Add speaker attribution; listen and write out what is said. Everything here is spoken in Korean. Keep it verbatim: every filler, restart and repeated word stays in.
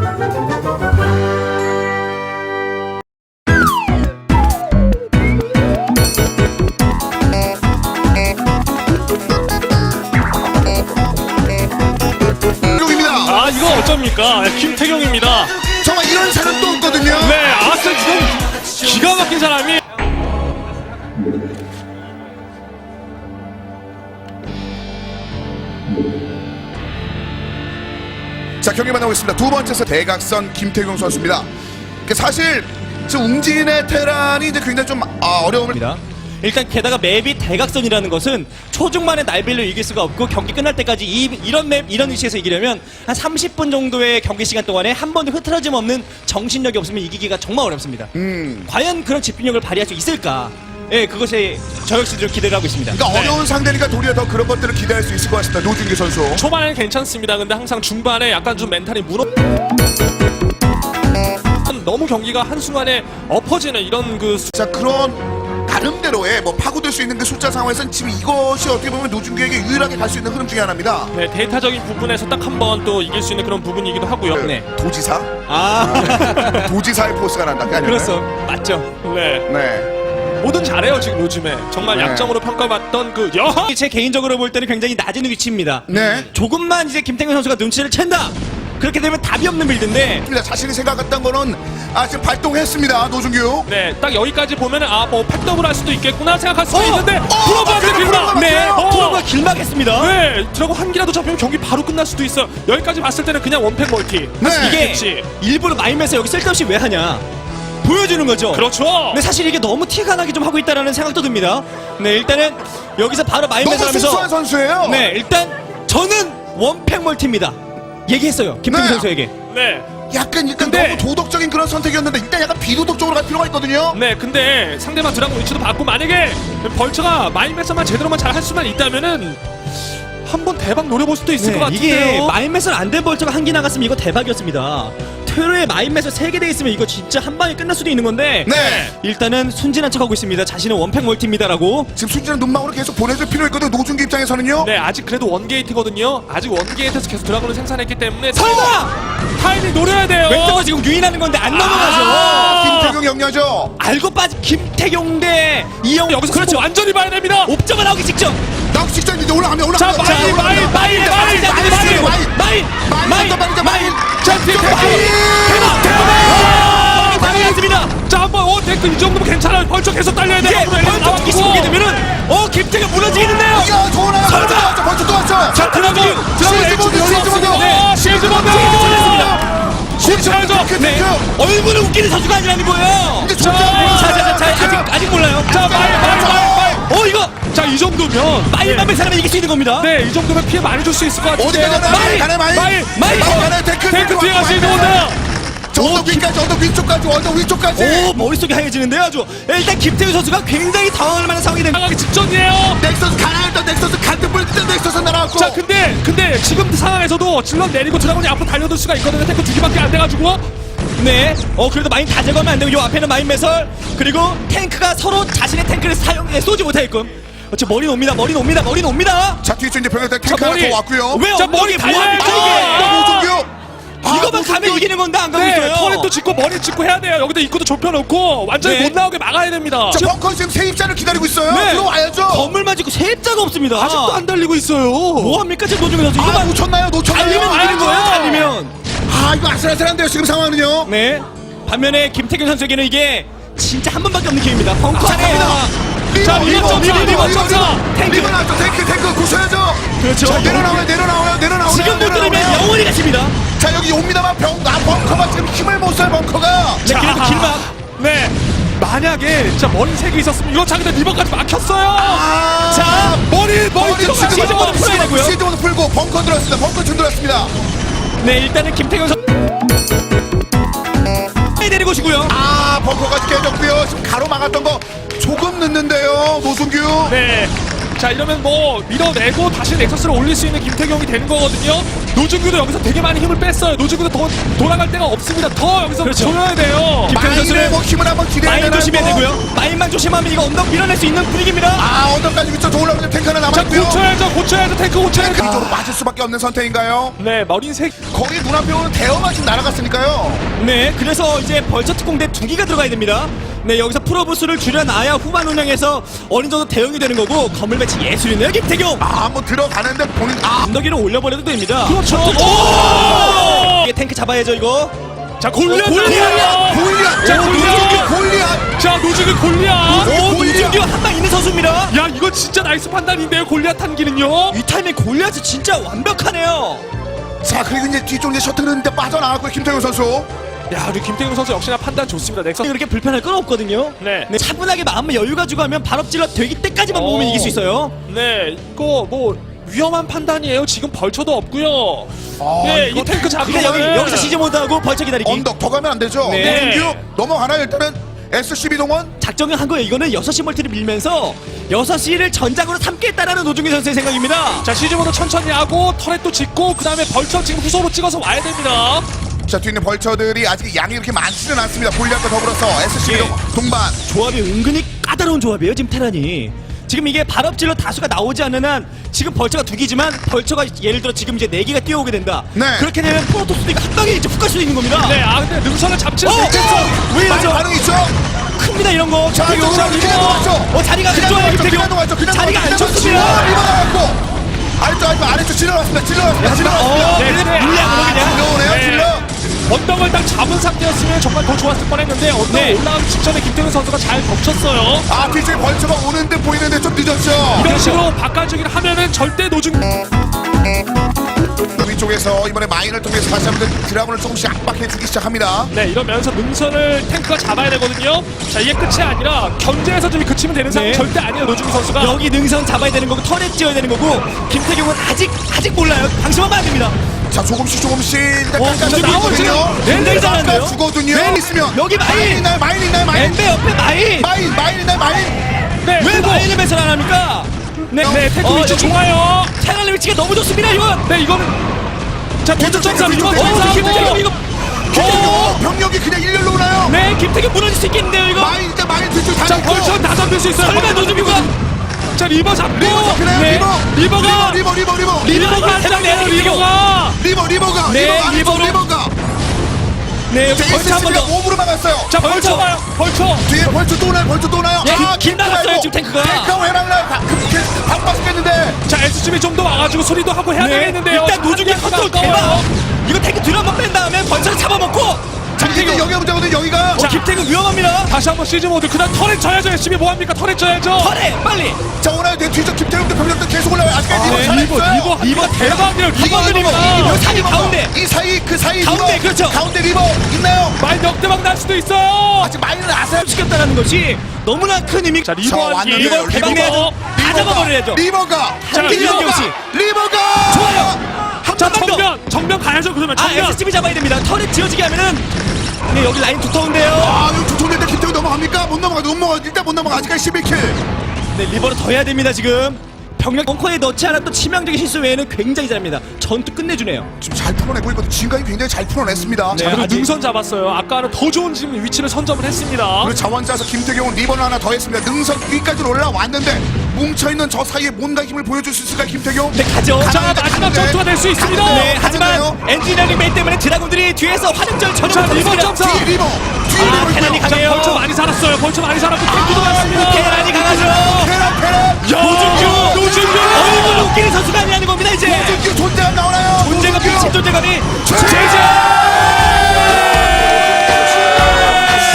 Speaker 1: 아 이거 어쩝니까? 김태경입니다.
Speaker 2: 정말 이런 사람 또 없거든요.
Speaker 1: 네, 아스 지금 기가 막힌 사람이.
Speaker 2: 자, 경기 만나고 있습니다. 두 번째 세 대각선 김태경 선수입니다. 사실 지금 웅진의 테란이 이제 굉장히 좀 아, 어려움을.
Speaker 3: 일단 게다가 맵이 대각선이라는 것은 초중반에 날빌로 이길 수가 없고 경기 끝날 때까지 이, 이런 맵 이런 위치에서 이기려면 한 삼십 분 정도의 경기 시간 동안에 한 번도 흐트러짐 없는 정신력이 없으면 이기기가 정말 어렵습니다.
Speaker 2: 음.
Speaker 3: 과연 그런 집중력을 발휘할 수 있을까? 예, 그것에 저 역시 좀 기대를 하고 있습니다.
Speaker 2: 그러니까
Speaker 1: 네.
Speaker 2: 어려운 상대니까 도리어 더 그런 것들을 기대할 수 있을 것 같습니다. 노준기 선수.
Speaker 1: 초반에는 괜찮습니다. 근데 항상 중반에 약간 좀 멘탈이 무너. 너무 경기가 한순간에 엎어지는 이런 그. 수...
Speaker 2: 자, 그런 나름대로의 뭐 파고들 수 있는 그 숫자 상황에서는 지금 이것이 어떻게 보면 노준규에게 유일하게 갈 수 있는 흐름 중에 하나입니다.
Speaker 1: 네, 데이터적인 부분에서 딱 한 번 또 이길 수 있는 그런 부분이기도 하고요.
Speaker 2: 그
Speaker 3: 네.
Speaker 2: 도지사?
Speaker 3: 아,
Speaker 2: 도지사의 포스가 난다. 그게 아니라요?
Speaker 3: 그렇소. 맞죠.
Speaker 1: 네.
Speaker 2: 네.
Speaker 1: 뭐든 잘해요 지금 요즘에. 정말
Speaker 2: 네.
Speaker 1: 약점으로 평가받던 그 여.
Speaker 3: 제 개인적으로 볼 때는 굉장히 낮은 위치입니다.
Speaker 2: 네.
Speaker 3: 조금만 이제 김태균 선수가 눈치를 챈다. 그렇게 되면 답이 없는 빌드인데.
Speaker 2: 자신이 생각했던 거는 아 지금 발동했습니다. 노준규.
Speaker 1: 네, 딱 여기까지 보면은 아 뭐 팩더블 할 수도 있겠구나 생각할 수도
Speaker 3: 어!
Speaker 1: 있는데
Speaker 2: 어!
Speaker 1: 프로브한테
Speaker 2: 어!
Speaker 1: 길다.
Speaker 2: 어!
Speaker 3: 네,
Speaker 2: 어!
Speaker 3: 프로가 길막했습니다.
Speaker 1: 네, 들어고 한 기라도 잡히면 경기 바로 끝날 수도 있어요. 여기까지 봤을 때는 그냥 원팩 멀티.
Speaker 2: 네.
Speaker 3: 이게
Speaker 1: 그치.
Speaker 3: 일부러 마임에서 여기 쓸데없이 왜 하냐 보여주는 거죠.
Speaker 1: 그렇죠.
Speaker 3: 근데 사실 이게 너무 티가 나게 좀 하고 있다라는 생각도 듭니다. 네, 일단은 여기서 바로 마임에서
Speaker 2: 너무 순수한
Speaker 3: 하면서
Speaker 2: 선수예요.
Speaker 3: 네, 일단 저는 원팩 멀티입니다. 얘기했어요. 김태균
Speaker 2: 네.
Speaker 3: 선수에게.
Speaker 1: 네.
Speaker 2: 약간 일단
Speaker 1: 근데-
Speaker 2: 너무 도덕적인 그런 선택이었는데 일단 약간 비도덕적으로 갈 필요가 있거든요.
Speaker 1: 네, 근데 상대방 드라곤 위치도 받고 만약에 벌처가 마인매서만 제대로만 잘 할 수만 있다면은 한번 대박 노려볼 수도 있을 것 같은데요.
Speaker 3: 이게 마임맷을 안 된 벌처가 한 개 나갔으면 이거 대박이었습니다. 퇴로에 마임맷을 세 개 돼 있으면 이거 진짜 한 방에 끝날 수도 있는 건데
Speaker 2: 네.
Speaker 3: 일단은 순진한 척하고 있습니다. 자신은 원팩 멀티입니다라고.
Speaker 2: 지금 순진한 눈망울을 계속 보내줄 필요 있거든요. 노준기 입장에서는요.
Speaker 1: 네, 아직 그래도 원게이트거든요. 아직 원게이트에서 계속 드라곤을 생산했기 때문에
Speaker 3: 설마!
Speaker 1: 타이밍 노려야 돼요.
Speaker 3: 왼쪽은 지금 유인하는 건데 안
Speaker 1: 아!
Speaker 3: 넘어가죠.
Speaker 2: 김태경 영녀죠.
Speaker 3: 알고 빠진 김태경 대 이영.
Speaker 1: 여기서
Speaker 3: 그렇죠.
Speaker 1: 그렇죠. 완전히 봐야 됩니다.
Speaker 3: 옵저가 나오기 직전.
Speaker 2: 나오기 직전 이제 올라가면
Speaker 1: 자,
Speaker 2: 올라가면
Speaker 1: 마인, 마인, 마인, 마인, 마인,
Speaker 3: 마인, 마인,
Speaker 2: 마인 더 빠르죠. 마인.
Speaker 1: 자, 뒤에
Speaker 3: 마인.
Speaker 1: 대박, 대박.
Speaker 3: 당했습니다.
Speaker 1: 자, 한번 어, 댓글 이 정도면 괜찮아요. 벌써 계속 달려야 돼요.
Speaker 3: 이게 벌써 기시 보게 되면은 어 김태경 무너지겠는데요.
Speaker 2: 야, 더 올라가.
Speaker 3: 설마!
Speaker 2: 벌써 또 왔어. 벌써 또 왔어.
Speaker 1: 자, 드라곤, 드라곤
Speaker 2: 시즈 모드, 시즈 모드.
Speaker 1: 네, 시즈 모드.
Speaker 2: 시즈 모드.
Speaker 1: 시즈
Speaker 2: 그
Speaker 3: 네.
Speaker 2: 탱크.
Speaker 3: 얼굴은 웃기는 선수가 아니라는 거예요.
Speaker 2: 근데
Speaker 1: 자,
Speaker 2: 존재하는
Speaker 3: 자, 자, 자, 자, 아직 아직 몰라요.
Speaker 1: 자, 마인, 마인, 마인, 마인.
Speaker 3: 어 이거
Speaker 1: 자, 이 정도면
Speaker 3: 마일맘의 사람이 이길 수 있는 겁니다.
Speaker 1: 네, 이 정도면 피해 많이 줄 수 있을 것 같은데.
Speaker 2: 어디 가나 마인 가나 마인.
Speaker 1: 마인,
Speaker 3: 마인.
Speaker 2: 마인 가나 탱크.
Speaker 1: 탱크 뒤에 가시 좋은데요.
Speaker 2: 저 언덕 위까지 언덕 위쪽까지 언덕 위쪽까지.
Speaker 3: 오 머릿속이 하얘지는데요 아주. 일단 김태우 선수가 굉장히 당황할 만한 상황이 됩니다.
Speaker 1: 나가기 직전이에요.
Speaker 2: 넥서스 가나 했던 넥서스 간뜩 불던 넥서스 날아왔고.
Speaker 1: 자, 근데 근데 지금 상황에서도 질럿 내리고 드라곤이 앞으로 달려들 수가 있거든요. 탱크 두 개밖에 안 돼가지고.
Speaker 3: 네. 어 그래도 마인 다 제거하면 안 되고 요 앞에는 마인 매설 그리고 탱크가 서로 자신의 탱크를 사용해 쏘지 못하게끔. 어째 머리 옵니다. 머리 옵니다. 머리 옵니다.
Speaker 2: 자, 뒤에 이제 병력들 탱크
Speaker 1: 자,
Speaker 2: 하나
Speaker 1: 머리.
Speaker 2: 더 왔고요.
Speaker 3: 왜
Speaker 1: 자, 머리
Speaker 3: 엉덩이
Speaker 1: 달려야죠.
Speaker 3: 뭐합니까
Speaker 2: 아,
Speaker 3: 이게?
Speaker 2: 노준규.
Speaker 3: 이거만 가면 이기는 건데 안 가고
Speaker 1: 네,
Speaker 3: 있어요.
Speaker 1: 터렛도 짓고 머리 짓고 해야 돼요. 여기다 입구도 좁혀놓고 완전히
Speaker 3: 네.
Speaker 1: 못 나오게 막아야 됩니다.
Speaker 2: 자, 벙커 지금 세입자를 기다리고 있어요.
Speaker 3: 네.
Speaker 2: 들어와야죠.
Speaker 3: 건물만 짓고 세입자가 없습니다.
Speaker 1: 아직도 안 달리고 있어요.
Speaker 3: 뭐 합니까 지금 노중현 선수?
Speaker 2: 아,
Speaker 3: 이거만
Speaker 2: 놓쳤나요? 놓쳤나요?
Speaker 3: 달리면 이기는 거예요. 달리면.
Speaker 2: 아, 이거 아슬아슬한데요. 지금 상황은요.
Speaker 3: 네. 반면에 김태균 선수에게는 이게 진짜 한 번밖에 없는 기회입니다. 벙커
Speaker 2: 자,
Speaker 3: 안에.
Speaker 1: 자, 리버 점사, 리버 점사.
Speaker 3: 탱크.
Speaker 2: 리버 나왔죠. 탱크, 탱크 구셔야죠.
Speaker 3: 그렇죠.
Speaker 2: 자, 내려나와요, 내려나와요, 내려나와요.
Speaker 3: 지금 못 들으면
Speaker 2: 내려나와요.
Speaker 3: 영원히 가십니다.
Speaker 2: 자, 여기 옵니다만 병, 아, 벙커가 지금 힘을 못 써요, 벙커가.
Speaker 3: 네, 그래도 길막.
Speaker 1: 네. 만약에 진짜 머리 세 개 있었으면 이거 자기들 리버까지 막혔어요.
Speaker 2: 아,
Speaker 3: 자,
Speaker 1: 머리 머리
Speaker 2: 머리
Speaker 1: 들어가.
Speaker 2: 지금
Speaker 3: 시즈 모드 풀어야 되고요.
Speaker 2: 시즈 모드 풀고 벙커 들어왔습니다. 벙커 좀 들어왔습니다.
Speaker 3: 네, 일단은 김태균 선수 내리고 오시고요.
Speaker 2: 아, 벙커까지 깨졌고요. 지금 가로 막았던 거 조금 늦는데요, 노승규.
Speaker 1: 네. 자, 자 이러면 뭐 밀어내고 다시 넥서스를 올릴 수 있는 김태경이 되는 거거든요. 노준규도 여기서 되게 많이 힘을 뺐어요. 노준규도 더 돌아갈 데가 없습니다. 더 여기서
Speaker 3: 그렇죠.
Speaker 1: 조여야 돼요.
Speaker 3: 김태경
Speaker 2: 마인의
Speaker 3: 선수는
Speaker 2: 뭐 힘을 한번 기대해야
Speaker 3: 마인
Speaker 2: 되나요?
Speaker 3: 조심해야 되고요. 마인만 조심하면 이거 언덕 밀어낼 수 있는 분위기입니다.
Speaker 2: 아 언덕까지 위쪽 올라오는 탱크 하나
Speaker 1: 자
Speaker 2: 남았고요.
Speaker 1: 고쳐야죠. 고쳐야죠. 탱크 고쳐야죠.
Speaker 2: 이쪽으로 빠질 수밖에 없는 선택인가요?
Speaker 1: 네 머린 색.
Speaker 2: 거기 눈앞에 오는 대형마신 날아갔으니까요.
Speaker 3: 네, 그래서 이제 벌처 특공대 두 기가 들어가야 됩니다. 네, 여기서 프로브스를 줄여놔야 후반 운영에서 어느 정도 대응이 되는 거고 건물 배치 예술이네요, 김태경.
Speaker 2: 아 한번 들어가는데 본인 아
Speaker 3: 언덕위로 올려버려도 됩니다.
Speaker 1: 그렇죠.
Speaker 3: 오! 이게 탱크 잡아야죠, 이거.
Speaker 1: 자 골리앗.
Speaker 3: 골리앗!
Speaker 2: 골리앗.
Speaker 1: 자,
Speaker 2: 오,
Speaker 1: 골리앗!
Speaker 2: 골리앗.
Speaker 1: 자 노준규 골리앗.
Speaker 3: 오,
Speaker 2: 골리앗!
Speaker 3: 노준규 한방 있는 선수입니다.
Speaker 1: 야 이거 진짜 나이스 판단인데요. 골리앗 탄기는요.
Speaker 3: 이 타이밍 골리앗이 진짜 완벽하네요.
Speaker 2: 자 그리고 이제 뒤쪽 이제 셔틀은데 빠져나갔고요 김태균 선수.
Speaker 1: 야 우리 김태경 선수 역시나 판단 좋습니다. 넥서스.
Speaker 3: 그렇게 불편할 건 없거든요.
Speaker 1: 네.
Speaker 3: 차분하게 마음을 여유 가지고 하면 발업질러 되기 때까지만 모으면
Speaker 1: 어.
Speaker 3: 이길 수 있어요.
Speaker 1: 네, 이거 뭐 위험한 판단이에요. 지금 벌쳐도 없고요.
Speaker 2: 아,
Speaker 1: 네,
Speaker 2: 이거
Speaker 1: 이 탱크 잡으면
Speaker 3: 그러니까 여기 여기서 시즈 모드하고 벌처 기다리기.
Speaker 2: 언덕 더 가면 안 되죠.
Speaker 3: 네.
Speaker 2: 노준규 넘어가나요 일단은 에스씨비 동원.
Speaker 3: 작정을 한 거예요. 이거는 여섯 시 멀티를 밀면서 여섯 시를 전장으로 삼겠다라는 노중기 선수의 생각입니다.
Speaker 1: 자 시즈모드 천천히 하고 터렛도 짓고 그 다음에 벌쳐 지금 후소로 찍어서 와야 됩니다.
Speaker 2: 자 뒤에 있는 벌처들이 아직 양이 그렇게 많지는 않습니다. 골리앗과 더불어서 에스씨비
Speaker 3: 예.
Speaker 2: 동, 동반.
Speaker 3: 조합이 은근히 까다로운 조합이에요. 지금 테란이. 지금 이게 발업질러 다수가 나오지 않는 한 지금 벌처가 두 기지만 벌처가 예를 들어 지금 이제 네 개가 뛰어오게 된다.
Speaker 2: 네.
Speaker 3: 그렇게 되면 프로토스도 이거 한 방에 이제 훅 갈 수도 있는 겁니다.
Speaker 1: 네, 아 근데 능선을 잡지
Speaker 3: 어,
Speaker 1: 못했어.
Speaker 3: 어, 왜
Speaker 2: 많이
Speaker 3: 이러죠?
Speaker 2: 반응 있죠.
Speaker 3: 큽니다 이런 거.
Speaker 2: 자
Speaker 3: 김태경
Speaker 2: 이거
Speaker 3: 선수.
Speaker 2: 그냥 놓았죠.
Speaker 3: 어 자리가 안
Speaker 2: 그냥
Speaker 3: 좋아요
Speaker 2: 놓았죠.
Speaker 3: 김태경.
Speaker 2: 그냥 놓았죠. 그냥
Speaker 3: 자리가 안
Speaker 2: 놓았죠.
Speaker 3: 좋습니다.
Speaker 2: 리버 나왔고. 아래쪽 아래쪽 아래쪽 찔러놨습니다. 찔러놨습니다. 찔러놨습니다.
Speaker 3: 어,
Speaker 1: 네,
Speaker 3: 근데
Speaker 1: 네.
Speaker 3: 물량으로
Speaker 2: 아,
Speaker 3: 그냥.
Speaker 2: 들어오네요.
Speaker 1: 네.
Speaker 2: 찔러.
Speaker 1: 언덕을 딱 잡은 상태였으면 정말 더 좋았을 뻔했는데 언덕
Speaker 3: 네.
Speaker 1: 올라가기 직전에 김태균 선수가 잘 덮쳤어요.
Speaker 2: 아 뒤쪽에 벌처가 오는 듯 보이는데 좀 늦었죠.
Speaker 1: 이런 식으로 바꿔주기를 하면은 절대 노중.
Speaker 2: 위쪽에서 이번에 마인을 통해서 다시 한번 드라군을 조금씩 압박해주기 시작합니다.
Speaker 1: 네, 이러면서 능선을 탱크가 잡아야 되거든요. 자, 이게 끝이 아니라 견제에서 좀 그치면 되는 상황
Speaker 3: 네.
Speaker 1: 절대 아니에요, 노중기 선수가.
Speaker 3: 여기 능선 잡아야 되는 거고 터렛 지어야 되는 거고 김태경은 아직 아직 몰라요. 방심하면 안 됩니다.
Speaker 2: 자 조금씩 조금씩 일단
Speaker 3: 어,
Speaker 2: 깎아주고
Speaker 3: 근데 나머지
Speaker 2: 있거든요.
Speaker 3: 굉장히 잘하는데요?
Speaker 2: 깎아주거든요.
Speaker 3: 네.
Speaker 2: 있으면
Speaker 3: 여기 마인!
Speaker 2: 있나요? 마인 있나요? 마인
Speaker 3: 엠베 옆에 마인.
Speaker 2: 마인 마인 있나요? 마인
Speaker 1: 네,
Speaker 3: 왜
Speaker 1: 그리고-
Speaker 3: 마인을 배설 안 합니까? 네,
Speaker 1: 네, 탱크
Speaker 3: 어,
Speaker 1: 위치
Speaker 3: 여기
Speaker 1: 좋아요.
Speaker 3: 테란의 위치가 너무 좋습니다 이건.
Speaker 1: 네, 이거는 자, 도전 점사
Speaker 2: 뒤쪽,
Speaker 1: 이번
Speaker 2: 뒤쪽,
Speaker 3: 어,
Speaker 1: 점사
Speaker 3: 김태경 이거.
Speaker 2: 김태경 병력이 그냥 일렬로 오나요?
Speaker 3: 네, 김태경 무너질 수 있겠는데요 이거.
Speaker 2: 마인 일단 마인 뒤쪽 다
Speaker 1: 자,
Speaker 2: 잡고
Speaker 1: 벌써 다 잡힐 수 있어요.
Speaker 3: 설마
Speaker 1: 벌써
Speaker 3: 노준규가
Speaker 1: 자, 리버 잡고.
Speaker 2: 리버 잡히나요?
Speaker 1: 네,
Speaker 2: 리버
Speaker 1: 리버가
Speaker 2: 리버 리버 리버
Speaker 1: 리버가
Speaker 3: 테란
Speaker 1: 잡혀요,
Speaker 3: 내야죠,
Speaker 1: 리버가.
Speaker 2: 리버 리버가
Speaker 3: 네,
Speaker 2: 리버 안쪽
Speaker 3: 리버로.
Speaker 2: 리버가
Speaker 3: 네, 여기 벌써 한 번
Speaker 2: 에스씨비가
Speaker 3: 더.
Speaker 2: 오브로 막았어요.
Speaker 1: 자, 벌쳐 봐요. 벌쳐.
Speaker 2: 뒤에 벌써 또 나요. 벌써 또 나요.
Speaker 3: 예,
Speaker 2: 아,
Speaker 3: 길 나갔어요,
Speaker 2: 말고.
Speaker 3: 지금 탱크가.
Speaker 2: 탱크가 해랑나요. 다 빠졌겠는데.
Speaker 1: 자, 에스씨비 좀 더 와가지고 소리도 하고 해야
Speaker 3: 네,
Speaker 1: 되겠는데요.
Speaker 3: 일단 노중기 컨트롤 대박. 이거 탱크 뒤로 한번 뺀 다음에 벌써를 잡아먹고.
Speaker 2: 자, 이제 여기가 문제거든. 여기가.
Speaker 3: 어, 김태경 위험합니다.
Speaker 1: 다시 한번 시즈 모드. 그다음 터렛 져야죠. 에스씨비 뭐 합니까? 터렛 져야죠.
Speaker 3: 터렛 빨리.
Speaker 2: 자, 오늘 내 뒤쪽 김태형도 병력도 계속 올라와요. 아직까지
Speaker 1: 네,
Speaker 2: 리버
Speaker 1: 리버,
Speaker 2: 잘했어요.
Speaker 1: 리버, 리버 대박이에요. 리버들입니다.
Speaker 3: 리버 사이 가운데.
Speaker 2: 이 사이 그 사이
Speaker 3: 가운데,
Speaker 2: 리버.
Speaker 3: 그렇죠.
Speaker 2: 가운데 리버 있나요?
Speaker 1: 마인 역대박 날 수도 있어요.
Speaker 2: 아직 마인은 아세요?
Speaker 3: 시켰다는 것이 너무나 큰 의미.
Speaker 1: 자,
Speaker 2: 자,
Speaker 1: 리버 한기.
Speaker 2: 왔는데요.
Speaker 3: 리버 대박 내야죠. 다 잡아버려야죠.
Speaker 2: 리버가
Speaker 1: 자,
Speaker 2: 리버가
Speaker 3: 리버가.
Speaker 2: 리버가
Speaker 3: 좋아요.
Speaker 1: 자,
Speaker 3: 한 번 더.
Speaker 1: 정면. 정면 가야죠. 그러면
Speaker 3: 아,
Speaker 1: 정면.
Speaker 3: 에스씨비 잡아야 됩니다. 터렛 지어지게 하면은. 네, 여기 라인 두터운데요.
Speaker 2: 아, 이거 두통인데 김태형 넘어갑니까? 못 넘어가. 못 넘어가. 일단 못 넘어가. 아직까지 십일 킬.
Speaker 3: 네, 리버를 더 해야 됩니다, 지금. 병력 벙커에 넣지 않았던 치명적인 실수 외에는 굉장히 잘합니다. 전투 끝내주네요.
Speaker 2: 지금 잘 풀어내고 있거든. 지금까지 굉장히 잘 풀어냈습니다.
Speaker 3: 네.
Speaker 2: 자,
Speaker 1: 그리고
Speaker 3: 아직-
Speaker 1: 능선 잡았어요. 아까는 더 좋은 지금 위치를 선점을 했습니다.
Speaker 2: 그리고 자원자에서 김태경은 리버를 하나 더 했습니다. 능선 위까지 올라왔는데 뭉쳐있는 저 사이에 뭔가 힘을 보여줄 수 있을까 김태경?
Speaker 3: 네, 가죠.
Speaker 1: 자,
Speaker 2: 가는데,
Speaker 1: 마지막
Speaker 2: 가는데.
Speaker 1: 전투가 될 수 있습니다.
Speaker 2: 가는데요.
Speaker 3: 네, 하지만
Speaker 2: 가는데요.
Speaker 3: 엔지니어링 메인 때문에 드라군들이 뒤에서 화력절 전혀
Speaker 1: 자,
Speaker 3: 못하고
Speaker 1: 리버
Speaker 3: 있습니다.
Speaker 1: 점사.
Speaker 2: 뒤에 리버 뒤에
Speaker 3: 아,
Speaker 2: 리버
Speaker 3: 테란이
Speaker 2: 있고요.
Speaker 3: 강해요.
Speaker 1: 벌쳐 많이 살았어요. 벌쳐 많이 살았고 탱크도 많습니다.
Speaker 3: 테란이 강하죠.
Speaker 2: 테란 테란
Speaker 1: 노준규, 노준규.
Speaker 3: 얼굴 웃기는 선수가 아니라는 겁니다, 이제.
Speaker 2: 노준규 존재감 나오나요?
Speaker 3: 존재감,
Speaker 2: 노준규.
Speaker 3: 미친 존재감이.
Speaker 2: 최재